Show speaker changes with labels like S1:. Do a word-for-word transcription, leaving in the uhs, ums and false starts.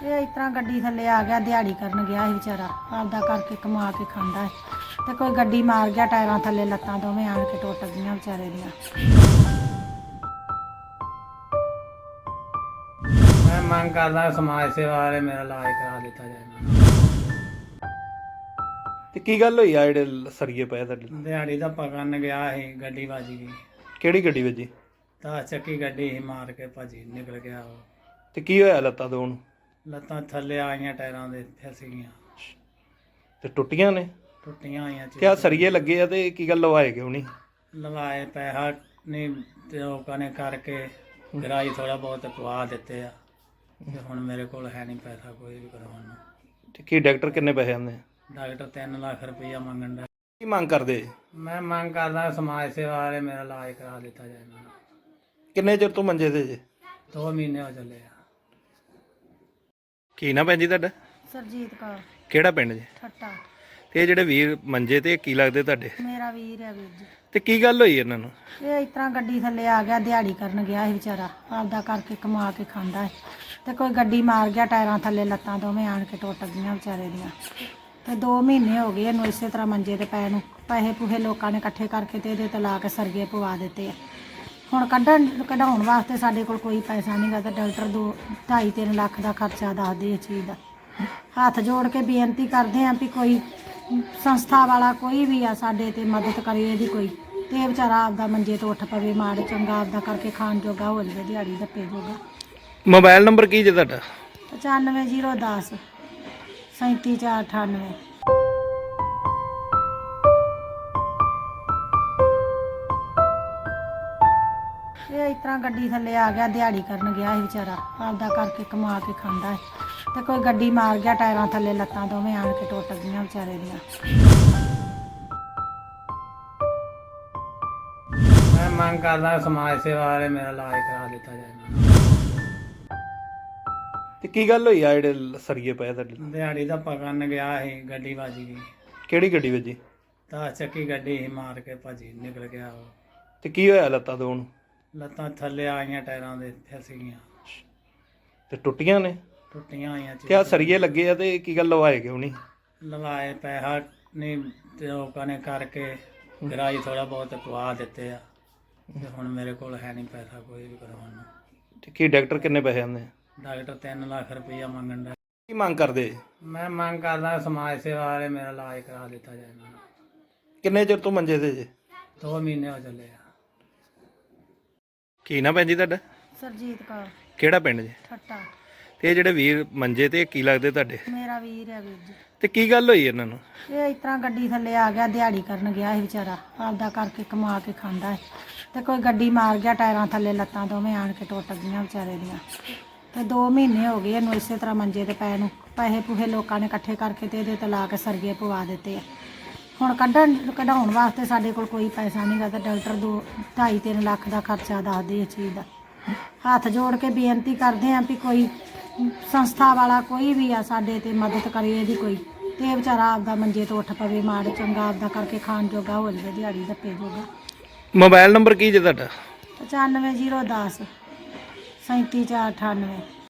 S1: ਇਹ ਇਸ ਤਰ੍ਹਾਂ ਗੱਡੀ ਥੱਲੇ ਆ ਗਿਆ, ਦਿਹਾੜੀ ਕਰਨ ਗਿਆ ਸੀ ਵਿਚਾਰਾ, ਆਪਦਾ ਕਰਕੇ ਕਮਾ ਕੇ ਖਾਂਦਾ ਹੈ ਤੇ ਕੋਈ ਗੱਡੀ ਮਾਰ ਗਿਆ ਟਾਇਰਾਂ ਥੱਲੇ, ਲੱਤਾਂ ਦੋਵੇਂ ਆਣ ਕੇ ਟੁੱਟ ਗਈਆਂ ਵਿਚਾਰੇ ਦੀਆਂ।
S2: ਮੈਂ ਮੰਗ ਕਰਦਾ ਸਮਾਜ ਸੇਵਾ ਵਾਲੇ ਮੇਰਾ ਇਲਾਜ ਕਰਾ ਦਿੱਤਾ ਜਾਏ।
S3: ਤੇ ਕੀ ਗੱਲ ਹੋਈ ਆ ਜਿਹੜੇ ਸਰੀਏ ਪਏ ਤੁਹਾਡੇ?
S2: ਦਿਹਾੜੀ ਦਾ ਪਕੜਨ ਗਿਆ ਸੀ, ਗੱਡੀ ਵੱਜ ਗਈ।
S3: ਕਿਹੜੀ ਗੱਡੀ ਵੱਜੀ?
S2: ਦਸ ਚੱਕੀ ਗੱਡੀ ਸੀ, ਮਾਰ ਕੇ ਭਾਜੀ ਨਿਕਲ ਗਿਆ ਉਹ।
S3: ਤੇ ਕੀ ਹੋਇਆ ਲੱਤਾਂ ਦੋ ਨੂੰ?
S2: ਲੱਤਾਂ ਥੱਲੇ ਆਈਆਂ, ਟਾਇਰਾਂ ਦੇ ਫਿਸ ਗਈਆਂ,
S3: ਤੇ ਟੁੱਟੀਆਂ ਨੇ?
S2: ਟੁੱਟੀਆਂ ਹੋਈਆਂ।
S3: ਕਿਆ ਸਰੀਏ ਲੱਗੇ ਆ ਤੇ ਕੀ ਗੱਲ ਲਵਾਏ ਕਿਉਂ ਨਹੀਂ?
S2: ਲਵਾਏ ਪੈਸਾ ਨਹੀਂ ਤੇ ਲੋਕਾਂ ਨੇ ਕਰਕੇ ਕਿਰਾਏ ਥੋੜਾ ਬਹੁਤ ਪਵਾ ਦਿੱਤੇ ਆ ਤੇ ਹੁਣ ਮੇਰੇ ਕੋਲ ਹੈ ਨਹੀਂ ਪੈਸਾ ਕੋਈ ਵੀ ਕਰਵਾਉਣ ਨੂੰ।
S3: ਤੇ ਕੀ ਡਾਕਟਰ ਕਿੰਨੇ ਪੈਸੇ ਆਂਦੇ?
S2: ਡਾਕਟਰ ਤਿੰਨ ਲੱਖ ਰੁਪਈਆ ਮੰਗਣ ਦਾ।
S3: ਕੀ ਮੰਗ ਕਰਦੇ?
S2: ਮੈਂ ਮੰਗ ਕਰਦਾ ਸਮਾਜ ਸੇਵਾ ਵਾਲੇ ਮੇਰਾ ਇਲਾਜ ਕਰਾ ਦਿੱਤਾ ਜਾਏ। ਮੈਨੂੰ
S3: ਕਿੰਨੇ ਚਿਰ ਤੋਂ ਮੰਜੇ ਤੇ ਜੇ?
S2: ਦੋ ਮਹੀਨੇ ਹੋ ਚੱਲੇ ਆ।
S3: ਕੀ ਨਾ ਭੈਣ ਜੀ ਤੁਹਾਡਾ?
S1: ਸਰਜੀਤ ਕੌਰ,
S3: ਕਿਹੜਾ ਪਿੰਡ ਜੇ?
S1: ਠੱਟਾ।
S3: ਤੇ ਇਹ ਜਿਹੜੇ ਵੀਰ ਮੰਜੇ ਤੇ ਕੀ ਲੱਗਦੇ ਤੁਹਾਡੇ?
S1: ਮੇਰਾ ਵੀਰ ਹੈ ਵੀਰ ਜੀ।
S3: ਤੇ ਕੀ ਗੱਲ ਹੋਈ ਇਹਨਾਂ ਨੂੰ?
S1: ਇਹ ਇਸ ਤਰ੍ਹਾਂ ਗੱਡੀ ਥੱਲੇ ਆ ਗਿਆ, ਦਿਹਾੜੀ ਕਰਨ ਗਿਆ ਸੀ ਵਿਚਾਰਾ, ਆਪਦਾ ਕਰਕੇ ਕਮਾ ਕੇ ਖਾਂਦਾ ਹੈ ਤੇ ਕੋਈ ਗੱਡੀ ਮਾਰ ਗਿਆ ਟਾਇਰਾਂ ਥੱਲੇ, ਲੱਤਾਂ ਦੋਵੇਂ ਆਣ ਕੇ ਟੁੱਟ ਗਈਆਂ ਵਿਚਾਰੇ ਦੀਆਂ। ਤੇ ਦੋ ਮਹੀਨੇ ਹੋ ਗਏ ਇਹਨੂੰ ਇਸੇ ਤਰ੍ਹਾਂ ਮੰਜੇ ਤੇ ਪੈ ਨੂੰ। ਪੈਸੇ ਪੂਹੇ ਲੋਕਾਂ ਨੇ ਇਕੱਠੇ ਕਰਕੇ ਤੇ ਇਹਦੇ ਤੇ ਲਾ ਕੇ ਸਰਗੇ ਪਵਾ ਦਿੱਤੇ ਆ। ਹੁਣ ਕੱਢਣ ਕਢਾਉਣ ਵਾਸਤੇ ਸਾਡੇ ਕੋਲ ਕੋਈ ਪੈਸਾ ਨਹੀਂ ਗਾ ਤੇ ਡਾਕਟਰ ਦੋ ਢਾਈ ਤਿੰਨ ਲੱਖ ਦਾ ਖਰਚਾ ਦੱਸਦੇ ਇਸ ਚੀਜ਼ ਦਾ। ਹੱਥ ਜੋੜ ਕੇ ਬੇਨਤੀ ਕਰਦੇ ਹਾਂ ਵੀ ਕੋਈ ਸੰਸਥਾ ਵਾਲਾ ਕੋਈ ਵੀ ਆ ਸਾਡੇ ਤੇ ਮਦਦ ਕਰੇ ਇਹਦੀ ਕੋਈ, ਤੇ ਇਹ ਵਿਚਾਰਾ ਆਪਦਾ ਮੰਜੇ ਤੋਂ ਉੱਠ ਪਵੇ, ਮਾੜ ਚੰਗਾ ਆਪਦਾ ਕਰਕੇ ਖਾਣ ਜੋਗਾ ਹੋ ਜਾਵੇ, ਦਿਹਾੜੀ ਧੱਪੇ ਜੋਗਾ।
S3: ਮੋਬਾਈਲ ਨੰਬਰ ਕੀ ਜੇ ਤੁਹਾਡਾ?
S1: ਪਚਾਨਵੇਂ ਜ਼ੀਰੋ ਦਸ ਸੈਂਤੀ ਚਾਰ ਅਠਾਨਵੇਂ। ਇਹ ਇਸ ਤਰ੍ਹਾਂ ਗੱਡੀ ਥੱਲੇ ਆ ਗਿਆ, ਦਿਹਾੜੀ ਕਰਨ ਗਿਆ ਸੀ ਵਿਚਾਰਾ, ਆਪਦਾ ਕਰਕੇ ਕਮਾ ਕੇ ਖਾਂਦਾ ਹੈ ਤੇ ਕੋਈ ਗੱਡੀ ਮਾਰ ਗਿਆ ਟਾਇਰਾਂ ਥੱਲੇ, ਲੱਤਾਂ ਦੋਵੇਂ ਆਣ ਕੇ ਟੁੱਟ ਗਈਆਂ ਵਿਚਾਰੇ ਦੀਆਂ।
S2: ਮੈਂ ਮੰਗ ਕਰਦਾ ਸਮਾਜ ਸੇਵਾ ਵਾਲੇ ਮੇਰਾ ਇਲਾਜ ਕਰਾ ਦਿੱਤਾ ਜਾਏ। ਮੈਨੂੰ
S3: ਤੇ ਕੀ ਗੱਲ ਹੋਈ ਆ ਜਿਹੜੇ ਸਰੀਏ ਪਏ ਤੁਹਾਡੇ?
S2: ਦਿਹਾੜੀ ਦਾ ਪਕੜਨ ਗਿਆ ਸੀ, ਗੱਡੀ ਵੱਜ ਗਈ।
S3: ਕਿਹੜੀ ਗੱਡੀ ਵੱਜੀ?
S2: ਦਸ ਚੱਕੀ ਗੱਡੀ ਸੀ, ਮਾਰ ਕੇ ਭਾਜੀ ਨਿਕਲ ਗਿਆ ਉਹ।
S3: ਤੇ ਕੀ ਹੋਇਆ ਲੱਤਾਂ ਦੋ ਨੂੰ?
S2: ਲੱਤਾਂ ਥੱਲੇ ਆਈਆਂ, ਟਾਇਰਾਂ ਦੇ ਫਿਸ ਗਈਆਂ,
S3: ਤੇ ਟੁੱਟੀਆਂ ਨੇ?
S2: ਟੁੱਟੀਆਂ ਹੋਈਆਂ।
S3: ਕਿਆ ਸਰੀਏ ਲੱਗੇ ਆ ਤੇ ਕੀ ਗੱਲ ਲਵਾਏ ਕਿਉਂ ਨਹੀਂ?
S2: ਲਵਾਏ ਪੈਸਾ ਨਹੀਂ ਤੇ ਲੋਕਾਂ ਨੇ ਕਰਕੇ ਕਿਰਾਏ ਥੋੜਾ ਬਹੁਤ ਪਵਾ ਦਿੱਤੇ ਆ ਤੇ ਹੁਣ ਮੇਰੇ ਕੋਲ ਹੈ ਨਹੀਂ ਪੈਸਾ ਕੋਈ ਵੀ ਕਰਵਾਉਣ ਨੂੰ।
S3: ਤੇ ਕੀ ਡਾਕਟਰ ਕਿੰਨੇ ਪੈਸੇ ਆਂਦੇ?
S2: ਡਾਕਟਰ ਤਿੰਨ ਲੱਖ ਰੁਪਈਆ ਮੰਗਣ ਦਾ।
S3: ਕੀ ਮੰਗ ਕਰਦੇ?
S2: ਮੈਂ ਮੰਗ ਕਰਦਾ ਸਮਾਜ ਸੇਵਾ ਵਾਲੇ ਮੇਰਾ ਇਲਾਜ ਕਰਾ ਦਿੱਤਾ ਜਾਏ। ਮੈਨੂੰ
S3: ਕਿੰਨੇ ਚਿਰ ਤੋਂ ਮੰਜੇ ਤੇ ਜੇ?
S2: ਦੋ ਮਹੀਨੇ ਹੋ ਚੱਲੇ ਆ।
S3: ਕੀ ਨਾ ਭੈਣ ਜੀ ਤੁਹਾਡਾ?
S1: ਸਰਜੀਤ ਕੌਰ,
S3: ਕਿਹੜਾ ਪਿੰਡ ਜੇ?
S1: ਠੱਟਾ।
S3: ਤੇ ਇਹ ਜਿਹੜੇ ਵੀਰ ਮੰਜੇ ਤੇ ਕੀ ਲੱਗਦੇ ਤੁਹਾਡੇ?
S1: ਮੇਰਾ ਵੀਰ ਹੈ ਵੀਰ ਜੀ।
S3: ਤੇ ਕੀ ਗੱਲ ਹੋਈ ਇਹਨਾਂ ਨੂੰ?
S1: ਇਹ ਇਸ ਤਰ੍ਹਾਂ ਗੱਡੀ ਥੱਲੇ ਆ ਗਿਆ, ਦਿਹਾੜੀ ਕਰਨ ਗਿਆ ਸੀ ਵਿਚਾਰਾ, ਆਪਦਾ ਕਰਕੇ ਕਮਾ ਕੇ ਖਾਂਦਾ ਹੈ ਤੇ ਕੋਈ ਗੱਡੀ ਮਾਰ ਗਿਆ ਟਾਇਰਾਂ ਥੱਲੇ, ਲੱਤਾਂ ਦੋਵੇਂ ਆਣ ਕੇ ਟੁੱਟ ਗਈਆਂ ਵਿਚਾਰੇ ਦੀਆਂ। ਤੇ ਦੋ ਮਹੀਨੇ ਹੋ ਗਏ ਇਹਨੂੰ ਇਸੇ ਤਰ੍ਹਾਂ ਮੰਜੇ ਤੇ ਪੈ ਨੂੰ। ਪੈਸੇ ਪੂਹੇ ਲੋਕਾਂ ਨੇ ਇਕੱਠੇ ਕਰਕੇ ਤੇ ਇਹਦੇ ਤੇ ਲਾ ਕੇ ਸਰਗੇ ਪਵਾ ਦਿੱਤੇ ਆ। ਹੁਣ ਕੱਢਣ ਕਢਾਉਣ ਵਾਸਤੇ ਸਾਡੇ ਕੋਲ ਕੋਈ ਪੈਸਾ ਨਹੀਂ ਗਾ ਤੇ ਡਾਕਟਰ ਦੋ ਢਾਈ ਤਿੰਨ ਲੱਖ ਦਾ ਖਰਚਾ ਦੱਸਦੇ ਇਸ ਚੀਜ਼ ਦਾ। ਹੱਥ ਜੋੜ ਕੇ ਬੇਨਤੀ ਕਰਦੇ ਹਾਂ ਵੀ ਕੋਈ ਸੰਸਥਾ ਵਾਲਾ ਕੋਈ ਵੀ ਆ ਸਾਡੇ ਤੇ ਮਦਦ ਕਰੇ ਇਹਦੀ ਕੋਈ, ਤੇ ਇਹ ਵਿਚਾਰਾ ਆਪਦਾ ਮੰਜੇ ਤੋਂ ਉੱਠ ਪਵੇ, ਮਾੜ ਚੰਗਾ ਆਪਦਾ ਕਰਕੇ ਖਾਣ ਜੋਗਾ ਹੋ ਜਾਵੇ, ਦਿਹਾੜੀ ਧੱਪੇ ਜੋਗਾ।
S3: ਮੋਬਾਈਲ ਨੰਬਰ ਕੀ ਜੇ ਤੁਹਾਡਾ?
S1: ਪਚਾਨਵੇਂ ਜ਼ੀਰੋ ਦਸ ਸੈਂਤੀ ਚਾਰ ਅਠਾਨਵੇਂ।